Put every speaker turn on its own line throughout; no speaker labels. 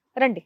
రండి.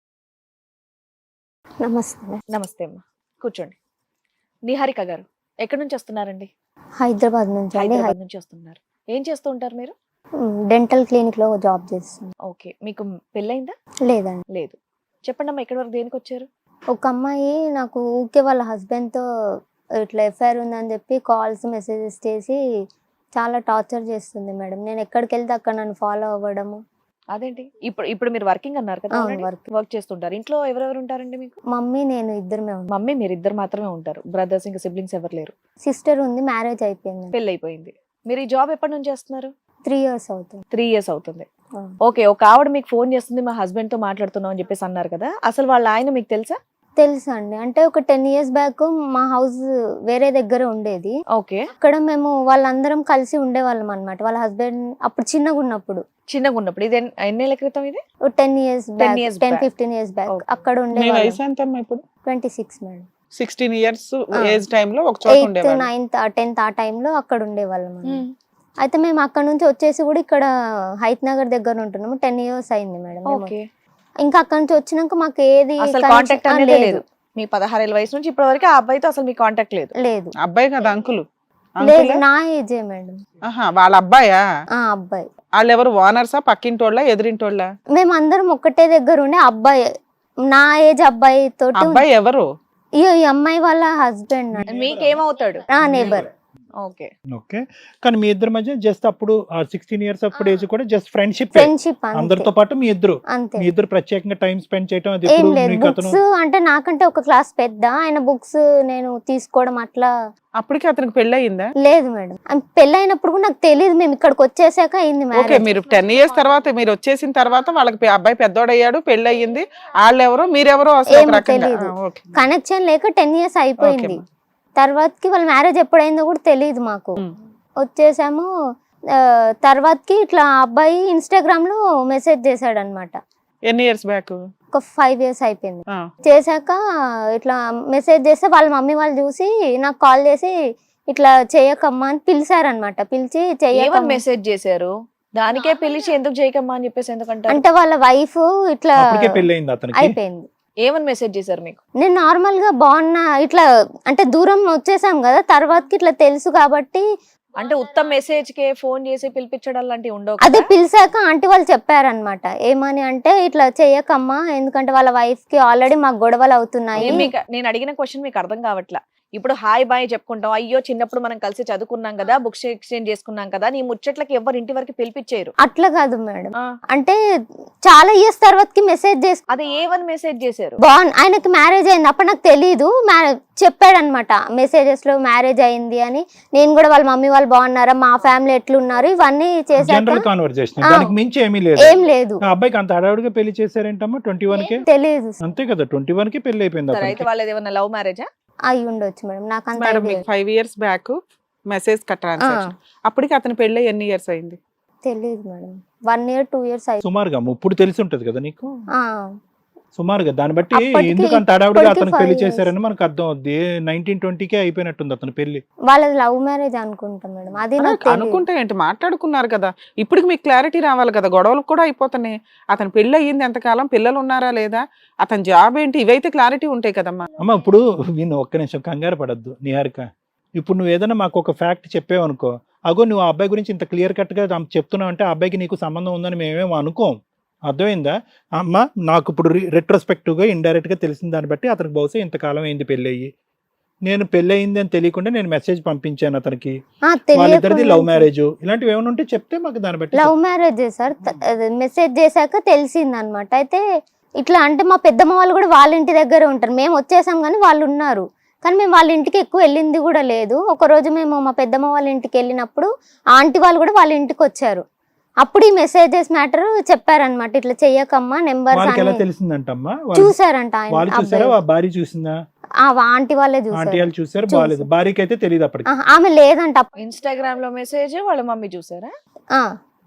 నమస్తే.
నమస్తే అమ్మా, కూర్చోండి. నిహారిక గారు ఎక్కడి నుంచి వస్తున్నారండి?
హైదరాబాద్ నుంచి అండి.
హైదరాబాద్ నుంచి వస్తున్నారు. ఏం చేస్తూ ఉంటారు మీరు?
డెంటల్ క్లినిక్ లో జాబ్ చేస్తాను.
ఓకే, మీకు పెళ్ళయిందా?
లేదండి.
లేదు. చెప్పండి అమ్మా, ఎక్కడి వరకు దేనికి వచ్చారు?
ఒక అమ్మాయి నాకు ఊరికే వాళ్ళ హస్బెండ్ తో ఇట్లా ఎఫ్ఐఆర్ ఉందని చెప్పి కాల్స్ మెసేజెస్ చేసి చాలా టార్చర్ చేస్తుంది మేడం. నేను ఎక్కడికి వెళ్తే అక్కడ నన్ను ఫాలో అవ్వడము.
అదేంటి? ఇప్పుడు ఇప్పుడు మీరు వర్కింగ్ అన్నారు కదా,
అవును, working.
వర్క్ చేస్తుంటారు. ఇంట్లో ఎవరెవరు ఉంటారండి మీకు?
మమ్మీ నేను ఇద్దరమే ఉంటాం.
మమ్మీ మీరు ఇద్దరు మాత్రమే ఉంటారు, బ్రదర్స్ ఇంకా సిబ్లింగ్స్ ఎవరు లేరు?
సిస్టర్ ఉంది, మ్యారేజ్ అయిపోయింది.
పెళ్ళి అయిపోయింది. మీరు ఈ జాబ్ ఎప్పటి నుంచి చేస్తున్నారు?
3 years అవుతుంది.
3 years అవుతుంది. ఓకే, ఒక ఆవిడ మీకు ఫోన్ చేస్తుంది, మా హస్బెండ్ తో మాట్లాడుతున్నాం అని చెప్పేసి అన్నారు కదా, అసలు వాళ్ళ ఆయన మీకు తెలుసా?
తెలుసు అండి. అంటే ఒక 10 years బ్యాక్ మా హౌస్ వేరే దగ్గర ఉండేది.
ఓకే,
అక్కడ మేము వాళ్ళందరం కలిసి ఉండేవాళ్ళం అన్నమాట. వాళ్ళ హస్బెండ్ అప్పుడు చిన్నగా ఉన్నప్పుడు.
ఇది ఎన్నేళ్ల క్రితం? ఇది
10 years back,
10 years
10-15 years back
Okay.
అక్కడ
మీ
ఉండేవాళ్ళం.
వయసు ఎంత అమ్మా ఇప్పుడు?
26 మేడం.
16 years
ఆ.
ఏజ్ టైమ్ లో ఒక చోట
8th,
ఉండేవాళ్ళు.
9th, 10th ఆ టైంలో అక్కడ ఉండేవాళ్ళం అన్నమాట. అయితే మేము అక్కడ నుంచి వచ్చేసి కూడా ఇక్కడ హైత్ నగర్ దగ్గర ఉంటున్నాము. 10 years అయింది మేడం. మేము
ఓకే,
ఇంకా అక్కడ నుంచి వచ్చినాక మాకు ఏది
అసలు
connection-
కాంటాక్ట్ అనేది లేదు. మీ 16 ఏళ్ళ వయసు నుంచి ఇప్పటి వరకు ఆ అబ్బాయితో అసలు మీ కాంటాక్ట్ లేదు?
లేదు.
అబ్బాయి కదా అంకుల్?
లేదు, నా ఏజే మేడం.
వాళ్ళ అబ్బాయా?
ఆ అబ్బాయి.
వాళ్ళు ఎవరు ఓనర్సా, పక్కింటోళ్ళ, ఎదురింటోళ్ళ?
మేము అందరం ఒక్కటే దగ్గర ఉండే. అబ్బాయి నా ఏజ్ అబ్బాయి తోటి
అబ్బాయి ఎవరు?
ఈ అమ్మాయి వాళ్ళ హస్బెండ్.
మీకేమవుతాడు?
నా నేబర్.
ఓకే,
ఓకే, కానీ మీ ఇద్దరి మధ్య జస్ట్ అప్పుడు 16 years అప్పుడు ఏజ్ కూడా జస్ట్ ఫ్రెండ్షిప్
ఫ్రెండ్షిప్
అందరితో పాటు మీ ఇద్దరు
అంతే.
ప్రత్యేకంగా టైం స్పెండ్ చేయడం అది
ఏం
ఎప్పుడు
లేదు.
మీకు అతను
బుక్స్ అంటే నాకంటే ఒక క్లాస్ పెద్ద. ఆయన బుక్స్ నేను తీసుకోవడం అట్లా
అప్పటికి అతనికి పెళ్లి అయిందా?
లేదు మేడం. పెళ్ళైనప్పుడు కూడా నాకు తెలియదు. మేము ఇక్కడికి వచ్చేసాక అయింది
ఓకే,
మ్యారేజ్.
మీరు 10 years తర్వాత మీరు వచ్చేసిన తర్వాత వాళ్ళకి అబ్బాయి పెద్దోడయ్యాడు, పెళ్లి అయ్యింది. వాళ్ళెవరో మీరెవరో అసలు ఒక
ఏమో
రకంగా.
తెలీదు.
ఓకే.
కనెక్షన్ లేక 10 years అయిపోయింది.
ఓకే.
తర్వాతకి వాళ్ళ మ్యారేజ్ ఎప్పుడైందో కూడా తెలియదు మాకు. వచ్చేసాము. తర్వాతకి ఇట్లా అబ్బాయి ఇన్స్టాగ్రామ్ లో మెసేజ్ చేశాడు అనమాట.
ఎన్ని ఇయర్స్ బ్యాక్?
ఒక 5 years అయిపోయింది. చేశాక ఇట్లా మెసేజ్ చేస్తే వాళ్ళ మమ్మీ వాళ్ళు చూసి నాకు కాల్ చేసి ఇట్లా చేయకమ్మా అని పిలిచారనమాట. పిలిచి
ఏమని మెసేజ్ చేశారు? దానికే పిలిచి ఎందుకు చేయకమ్మా అని చెప్పేసి ఎందుకంటే
అంటే వాళ్ళ వైఫ్ ఇట్లా
అప్పటికే పెళ్లి అయింది అతనికి.
అయిపోయింది.
ఏమని మెసేజ్ చేశారు మీకు?
నేను నార్మల్ గా బాగున్నా ఇట్లా అంటే దూరం వచ్చేసాం కదా, తర్వాతకి ఇట్లా తెలుసు కాబట్టి
అంటే ఉత్తమ మెసేజ్ కే ఫోన్ చేసి పిలిపించడం లాంటివి ఉండవు
అదే
కదా?
పిలిచాక ఆంటీ వాళ్ళు చెప్పారనమాట. ఏమని అంటే ఇట్లా చెయ్యకమ్మా, ఎందుకంటే వాళ్ళ వైఫ్ కి ఆల్రెడీ మాకు గొడవలు అవుతున్నాయి.
నేను అడిగిన క్వశ్చన్ మీకు అర్థం కావట్లా. ఇప్పుడు హాయ్ బాయ్ చెప్పుకుంటాం, అయ్యో చిన్నప్పుడు మనం కలిసి చదువుకున్నాం కదా, బుక్స్ ఎక్స్చేంజ్ చేసుకున్నాం కదా, నీ ముచ్చట్లకి ఎవరు ఇంటి వరకు పిలిపించారు.
అట్లా కాదు మేడం.
ఆ,
అంటే చాలా ఇయర్స్ తర్వాతకి మెసేజ్ చేసి
అదే ఏమని మెసేజ్ చేశారు?
ఆయనకి మ్యారేజ్ అయింది. అప్పుడు నాకు తెలీదు. చెప్పాడనమాట మెసేజెస్ లో మ్యారేజ్ అయింది అని. నేను కూడా వాళ్ళ మమ్మీ వాళ్ళు బాగున్నారా, మా ఫ్యామిలీ ఎట్లున్నారు, ఇవన్నీ చేశాక
జనరల్ కాన్వర్సేషన్, దానికి మించి ఏమీ లేదు.
ఏం లేదు.
ఆ అబ్బాయికి అంత హడావుడిగా పెళ్లి చేశారేంటమ్మా? 21 కే
తెలీదు.
అంతే కదా, 21 కి పెళ్లి అయిపోయింది
సరే, అయితే
అతనికి.
వాళ్ళది ఏమన్నా లవ్ మ్యారేజా?
అయి ఉండొచ్చు మేడం, నాకు అంత
మేడం
idea
మీకు 5 years బ్యాక్ మెసేజ్ ట్రాన్సాక్షన్. అప్పటికి అతని పెళ్లి ఎన్ని ఇయర్స్ అయింది?
తెలీదు మేడం. 1 year 2 years అయి
సుమారుగా ఇప్పుడు తెలిసి ఉంటది కదా నీకు,
ఆ,
సుమారుగా దాన్ని బట్టి
అప్పటికి
ఎందుకు అంత హడావుడిగా
ఇప్పటికి
అతనికి
5
పెళ్లి
years.
చేశారని మనకు అర్థం అవుద్ది. 1920 కే అయిపోయినట్టుంది అతని పెళ్లి.
వాళ్ళది లవ్ మ్యారేజ్ అనుకుంటా మేడం. అది నాకు తెలియదు.
అనుకుంటే ఏంటి, మాట్లాడుకున్నారు కదా. ఇప్పటికి మీకు క్లారిటీ రావాలి కదా, గొడవలు కూడా అయిపోతున్నాయి. అతని పెళ్లి అయ్యింది ఎంతకాలం, పిల్లలు ఉన్నారా లేదా, అతని జాబ్ ఏంటి, ఇవైతే క్లారిటీ ఉంటాయి కదమ్మా.
అమ్మ ఇప్పుడు విను, ఒక్క నిమిషం కంగారు పడద్దు నిహారిక. ఇప్పుడు నువ్వు ఏదైనా మాకు ఒక ఫ్యాక్ట్ చెప్పావు అనుకో, అగో నువ్వు ఆ అబ్బాయి గురించి ఇంత క్లియర్ కట్ గా చెప్తున్నావు అంటే ఆ అబ్బాయికి నీకు సంబంధం ఉందని మేమేమో అనుకోం. అర్థమైందా అమ్మ? నాకు ఇప్పుడు రెట్రోస్పెక్టివ్ గా ఇండైరెక్ట్ గా తెలిసిన దాన్ని బట్టి అతనికి బహుశా ఇంతకాలం అయింది పెళ్లి అయ్యి. నేను పెళ్లి అయింది అని తెలియకుండా నేను మెసేజ్ పంపించాను అతనికి. వాళ్ళిద్దరిది లవ్ మ్యారేజ్, ఇలాంటివి ఏమైనా ఉంటే చెప్తే మాకు దాన్ని బట్టి
లవ్ మ్యారేజ్ సార్. మెసేజ్ చేశాక తెలిసింది అనమాట. అయితే ఇట్లా అంటే మా పెద్దమ్మ వాళ్ళు కూడా వాళ్ళ ఇంటి దగ్గర ఉంటారు. మేము వచ్చేసాం కానీ వాళ్ళు ఉన్నారు. కానీ మేము వాళ్ళ ఇంటికి ఎక్కువ వెళ్ళింది కూడా లేదు. ఒక రోజు మేము మా పెద్దమ్మ వాళ్ళ ఇంటికి వెళ్ళినప్పుడు ఆంటీ వాళ్ళు కూడా వాళ్ళ ఇంటికి వచ్చారు. అప్పుడు ఈ మెసేజెస్ మ్యాటర్ చెప్పారనమాట. ఇట్లా చెయ్యకమ్మా, నెంబర్స్
వాళ్ళకి ఎలా
అన్ని
తెలిసిందంటమ్మా?
చూసారంట.
వాళ్ళు చూసారా,
ఆయన
భార్య చూసిందా?
ఆంటీ వాళ్ళే
ఆంటీ
చూసారు.
వాళ్ళు చూసారు, బాగాలేదు. భార్యకి అయితే తెలియదు అప్పటికి.
ఆమె లేదంట.
ఇన్స్టాగ్రామ్ లో మెసేజ్ వాళ్ళ మమ్మీ చూసారా?
ఆ,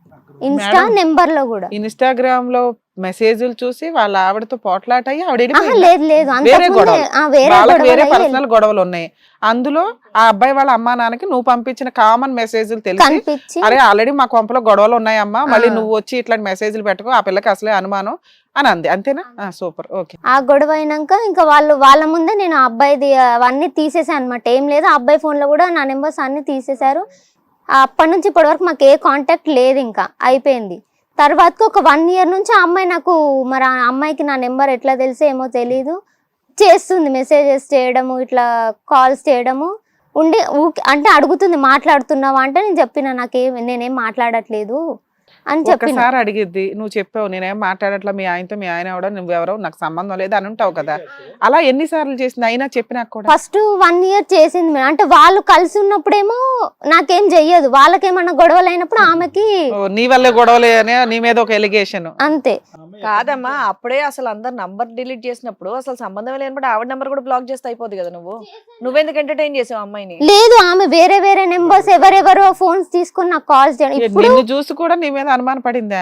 ఇన్స్టా
మేడం,
నెంబర్ లో కూడా.
ఇన్స్టాగ్రామ్ లో మెసేజ్లు చూసి వాళ్ళ ఆవిడతో పోట్లాట అయ్యి ఆవిడ
ఆహా,
వెళ్ళిపోయిందా?
లేదు లేదు,
వేరే
అంతకుముందే
గొడవలు.
వేరే
వాళ్ళకి వేరే
గొడవలు
పర్సనల్ గొడవలు ఉన్నాయి. అందులో ఆ అబ్బాయి వాళ్ళ అమ్మా నాన్నకి నువ్వు పంపించిన కామన్ మెసేజ్లు తెలిసి
కనిపించి
అరే ఆల్రెడీ మా కొంపలో గొడవలు ఉన్నాయమ్మా, మళ్ళీ
ఆ.
నువ్వు వచ్చి ఇట్లాంటి మెసేజ్లు పెట్టుకో, ఆ పిల్లకి అసలే అనుమానం అని అంది. అంతేనా? Super, okay.
ఆ గొడవ అయినాక ఇంకా వాళ్ళ ముందే నేను ఆ అబ్బాయిది అవన్నీ తీసేసాను అనమాట. ఏం లేదు, ఆ అబ్బాయి ఫోన్ లో కూడా నా నెంబర్స్ అన్ని తీసేశారు. అప్పటి నుంచి ఇప్పటి వరకు మాకు ఏ కాంటాక్ట్ లేదు, ఇంకా అయిపోయింది. తర్వాతకి ఒక 1 year నుంచి ఆ అమ్మాయి నాకు, మరి ఆ అమ్మాయికి నా నెంబర్ ఎట్లా తెలిసో ఏమో తెలీదు, చేస్తుంది మెసేజెస్ చేయడము, ఇట్లా కాల్స్ చేయడము ఉండి అంటే అడుగుతుంది మాట్లాడుతున్నావా అంటే నేను చెప్పిన నేనేం మాట్లాడట్లేదు అని చెప్పిన.
ఒక్కసారి అడిగిద్ది, నువ్వు చెప్పావు నేనేం మాట్లాడట్లా, మీ ఆయనతో, మీ ఆయన ఎవడో, నువ్వెవరో, నాకు సంబంధం లేదు అని ఉంటావు కదా. అలా ఎన్నిసార్లు చేసింది అయినా చెప్పినా కూడా?
ఫస్ట్ 1 year చేసింది మేడం. అంటే వాళ్ళు కలిసి ఉన్నప్పుడేమో నాకేం చెయ్యదు, వాళ్ళకేమన్నా గొడవలు అయినప్పుడు ఆమెకి
నీ వల్లే గొడవలే అని నీ మీద ఒక ఎలిగేషన్.
అంతే.
కాదమ్మా, అప్పుడే అసలు అందరు నంబర్ డిలీట్ చేసినప్పుడు అసలు సంబంధం లేనప్పుడు ఆవిడ నంబర్ కూడా బ్లాక్ చేస్తే అయిపోద్ది కదా. నువ్వెందుకు ఎంటర్టైన్ చేసావు అమ్మాయిని?
లేదు, ఆమె వేరే నెంబర్స్ ఎవరెవరో ఫోన్స్ తీసుకుని నాకు కాల్స్ చేయడం. ఇప్పుడు
నిన్ను చూసి కూడా నీ మీద అనుమానం పడిందా?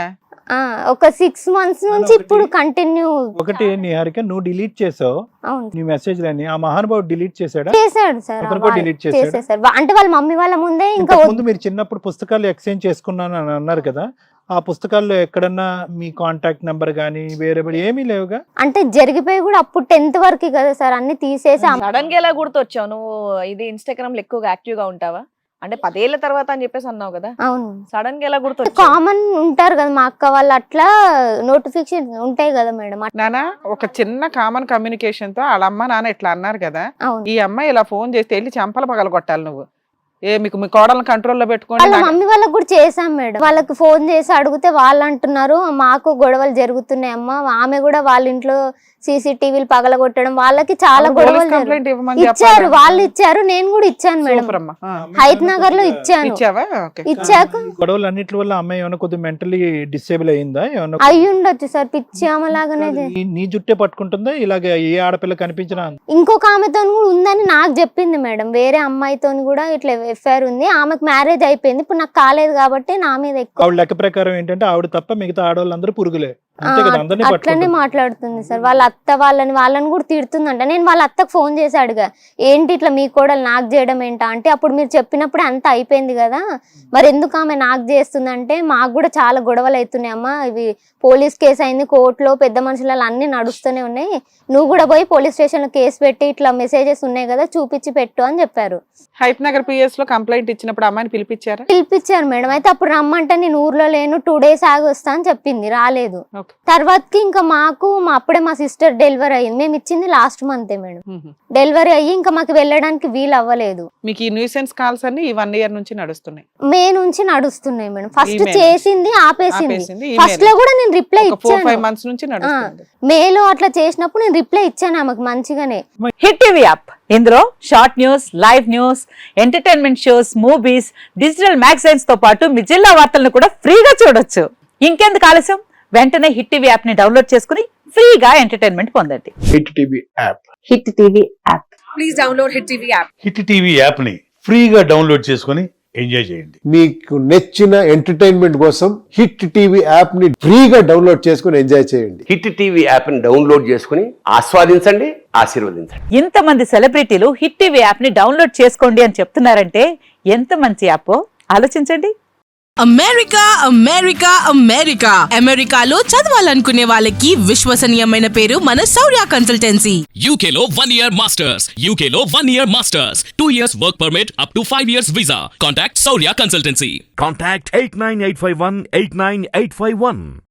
ఒక 6 months నుంచి ఇప్పుడు కంటిన్యూ.
ఒకటి నిహారిక, నువ్వు డిలీట్ చేసావు
అవును
నీ మెసేజ్ లని, ఆ మహానుభావుడు డిలీట్ చేశాడా?
చేశాడు సార్,
అతను కూడా delete చేశాడా?
చేసేసారు. అంటే వాళ్ళ మమ్మీ వాళ్ళ ముందే ఇంకా
ముందు మీరు చిన్నప్పుడు పుస్తకాలు ఎక్స్చేంజ్ చేసుకున్నాను అని అన్నారు కదా, ఆ పుస్తకాల్లో ఎక్కడన్నా మీ కాంటాక్ట్ నెంబర్ గానీ వేరే ఏమీ లేవుగా?
అంటే జరిగిపోయి కూడా అప్పుడు 10th వరకు కదా సార్, అన్ని తీసేసి
సడన్ గా ఎలా గుర్తొచ్చావు నువ్వు? ఇది ఇన్స్టాగ్రామ్ లో ఎక్కువగా యాక్టివ్ గా ఉంటావా? అంటే 10 ఏళ్ల తర్వాత అని చెప్పేసి అన్నావు కదా,
అవును
సడన్ గా ఎలా గుర్తొచ్చావు?
కామన్ ఉంటారు కదా మా అక్క వాళ్ళు, అట్లా నోటిఫికేషన్ ఉంటాయి కదా మేడం.
నానా, ఒక చిన్న కామన్ కమ్యూనికేషన్ తో వాళ్ళ అమ్మ నాన్న ఇట్లా అన్నారు కదా,
అవును,
ఈ అమ్మాయి ఇలా ఫోన్ చేస్తే వెళ్ళి చంపలు పగల కొట్టాలి నువ్వు. మీకు మీ కోడలను కంట్రోల్లో పెట్టుకోండి.
వాళ్ళ మమ్మీ వాళ్ళకి కూడా చేసాం మేడం. వాళ్ళకి ఫోన్ చేసి అడిగితే వాళ్ళు అంటున్నారు మాకు గొడవలు జరుగుతున్నాయి అమ్మా, ఆమె కూడా వాళ్ళ ఇంట్లో CCTVలు పగలగొట్టడం, వాళ్ళకి చాలా గొడవలు
కంప్లైంట్ ఇవ్వమని
ఇచ్చారు, వాళ్ళు ఇచ్చారు, నేను కూడా ఇచ్చాను మేడం.
సూపర్ అమ్మా.
హైత్ నగర్ లో ఇచ్చాను.
ఇచ్చావా? ఓకే.
ఇచ్చాక
గొడవలు అన్నిటి వల్ల అమ్మాయి ఏమైనా కొద్దిగా మెంటలీ డిసేబుల్ అయిందా? ఏమన్నా
అయ్యి ఉండొచ్చు సార్, పిచ్చి ఆమెలాగానే.
నీ జుట్టే పట్టుకుంటుందా ఇలాగ? ఏ ఆడపిల్ల కనిపించినా
ఇంకొక ఆమెతో కూడా ఉందని నాకు చెప్పింది మేడం. వేరే అమ్మాయితో కూడా ఇట్లా ఎఫ్ఐఆర్ ఉంది, ఆమెకు మ్యారేజ్ అయిపోయింది, ఇప్పుడు నాకు కాలేదు కాబట్టి నా మీద ఎక్కువ.
ఆవిడ లెక్క ప్రకారం ఏంటంటే ఆవిడ తప్ప మిగతా ఆడవాళ్ళందరూ పురుగులే, అంతే కదా? అందరినీ
అట్లనే
పట్టుకుంటుంది.
మాట్లాడుతుంది సార్. వాళ్ళ అత్త వాళ్ళని కూడా తిడుతుందంట. నేను వాళ్ళ అత్తకు ఫోన్ చేసి అడిగా, ఏంటి ఇట్లా మీ కోడలు నాకు చేయడం ఏంటా అంటే, అప్పుడు మీరు చెప్పినప్పుడు అంత అయిపోయింది కదా, మరి ఎందుకు ఆమె నాకు చేస్తుందంటే, మాకు కూడా చాలా గొడవలు అవుతున్నాయి అమ్మా, ఇవి పోలీస్ కేసు అయింది కోర్టులో, పెద్ద మనుషులలో అన్ని నడుస్తూనే ఉన్నాయి, నువ్వు కూడా పోయి పోలీస్ స్టేషన్ లో కేసు పెట్టి ఇట్లా మెసేజెస్ ఉన్నాయి కదా చూపించి పెట్టు అని చెప్పారు.
హైత్ నగర్ PS లో కంప్లైంట్ ఇచ్చినప్పుడు అమ్మాయిని పిలిపించారా?
పిలిపించారు మేడం. అయితే అప్పుడు రమ్మంటే నేను ఊర్లో లేను, 2 days ఆగి వస్తా అని చెప్పింది, రాలేదు.
ఓకే.
తర్వాతకి ఇంకా అప్పుడే మా సిస్టర్ డెలివరీ అయ్యింది, మేము ఇచ్చింది లాస్ట్ మంతే మేడం. డెలివరీ అయ్యి ఇంకా మాకు వెళ్ళడానికి వీలు అవ్వలేదు.
మీకు ఈ న్యూసెన్స్ కాల్స్ అన్ని ఈ 1 year నుంచి నడుస్తున్నాయి?
మే నుంచి నడుస్తున్నాయి మేడం. ఫస్ట్
Email
చేసింది ఆపేసింది,
ఆపేసింది,
ఫస్ట్ లో కూడా నేను రిప్లై
4-5
ఇచ్చాను.
months నుంచి నడుస్తుంది.
మేలో అట్లా చేసినప్పుడు నేను రిప్లై ఇచ్చాను ఆమెకు మంచిగానే.
హిట్ టీవీ యాప్, ఇందులో short news, live news, entertainment shows, movies, digital magazines తో పాటు మీ జిల్లా వార్తలను కూడా ఫ్రీగా చూడొచ్చు. ఇంకెందుకు ఆలస్యం, వెంటనే హిట్ టీవీ యాప్ ని డౌన్లోడ్ చేసుకుని ఫ్రీగా ఎంటర్టైన్మెంట్ పొందండి.
Hit TV app.
Hit TV app.
Please download hit TV app.
Hit TV యాప్ని ఫ్రీగా డౌన్లోడ్ చేసుకొని ఎంజాయ్ చేయండి.
మీకు నచ్చిన ఎంటర్టైన్మెంట్ కోసం హిట్ టీవీ యాప్ ని ఫ్రీగా డౌన్లోడ్ చేసుకుని ఎంజాయ్ చేయండి.
హిట్ టీవీ యాప్ని డౌన్లోడ్ చేసుకుని ఆస్వాదించండి, ఆశీర్వదించండి.
ఇంతమంది సెలబ్రిటీలు హిట్ టీవీ యాప్ ని డౌన్లోడ్ చేసుకోండి అని చెప్తున్నారంటే ఎంత మంచి యాప్ ఆలోచించండి.
అమెరికా అమెరికా అమెరికా అమెరికాలో చదవాలనుకునే వాళ్ళకి విశ్వసనీయమైన పేరు మన శౌర్య కన్సల్టెన్సీ.
UK లో 1 year masters. UK లో 1 year masters. 2 years work permit up to 5 years visa. Contact Saurya Consultancy.
Contact 89851 89851.